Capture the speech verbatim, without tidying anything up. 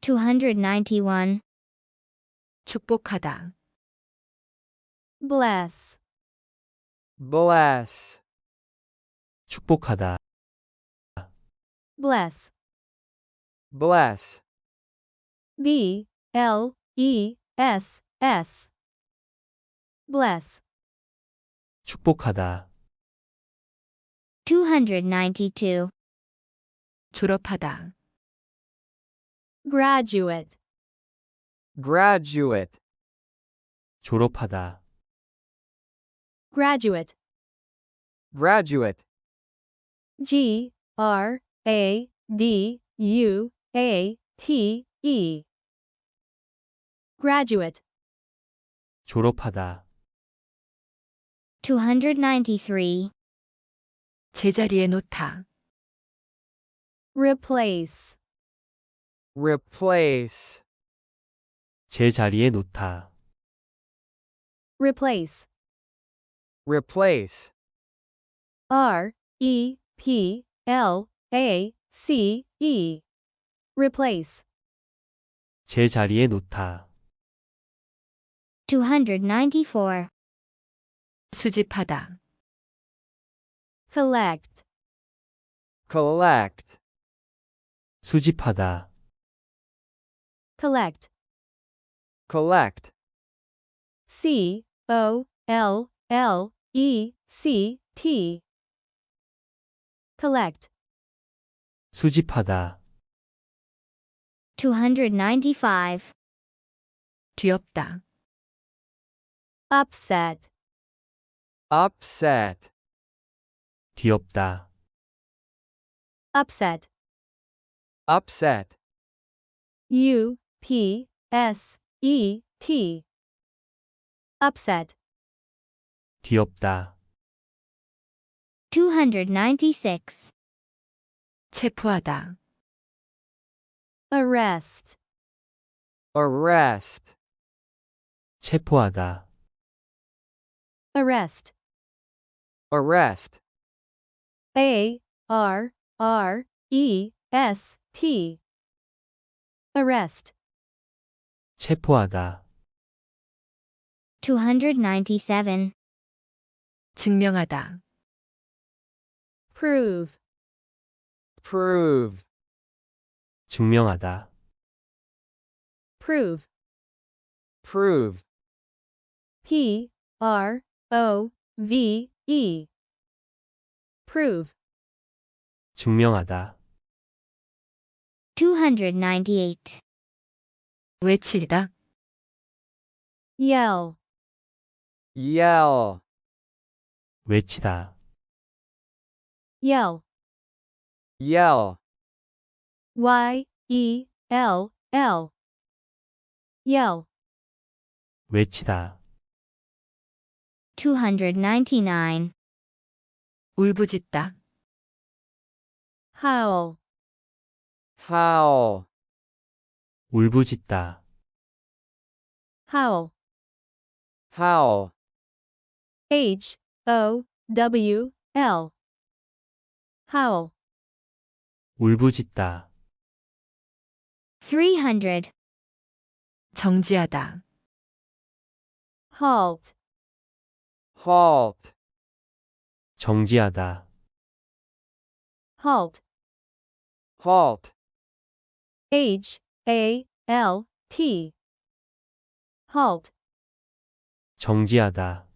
two hundred ninety-one. 축복하다. Bless. bless, 축복하다. Bless. bless, B L E S S. Bless. 축복하다. two hundred ninety-two. 졸업하다. Graduate. graduate, 졸업하다. Graduate. graduate, G R A D U A T E. Graduate. 졸업하다. two hundred ninety-three. 제자리에 놓다. Replace. replace, 제자리에 놓다. Replace. replace, R E P L A C E. Replace. 제자리에 놓다. two hundred ninety-four. 수집하다. Collect. collect, 수집하다. Collect. collect, C O L L E C T. Collect. 수집하다. two hundred ninety-five. 뒤엎다. Upset. upset, 뒤엎다. Upset. upset, U P S E T. Upset. 뒤엎다. two hundred ninety-six. 체포하다. Arrest. arrest, 체포하다. Arrest. arrest, A R R E S T. Arrest. 체포하다. two hundred ninety-seven. 증명하다. Prove. prove, 증명하다. Prove. prove, P R O V E. Prove. 증명하다. two hundred ninety-eight. 외치다. Yell. yell, 외치다. Yell. yell, Y E L L. Yell. 외치다. two hundred ninety-nine. 울부짖다. Howl. howl, 울부짖다. Howl. howl, H O W L. Howl. 울부짖다. three hundred. 정지하다. Halt. halt, 정지하다. Halt. halt, H A L T. Halt. 정지하다.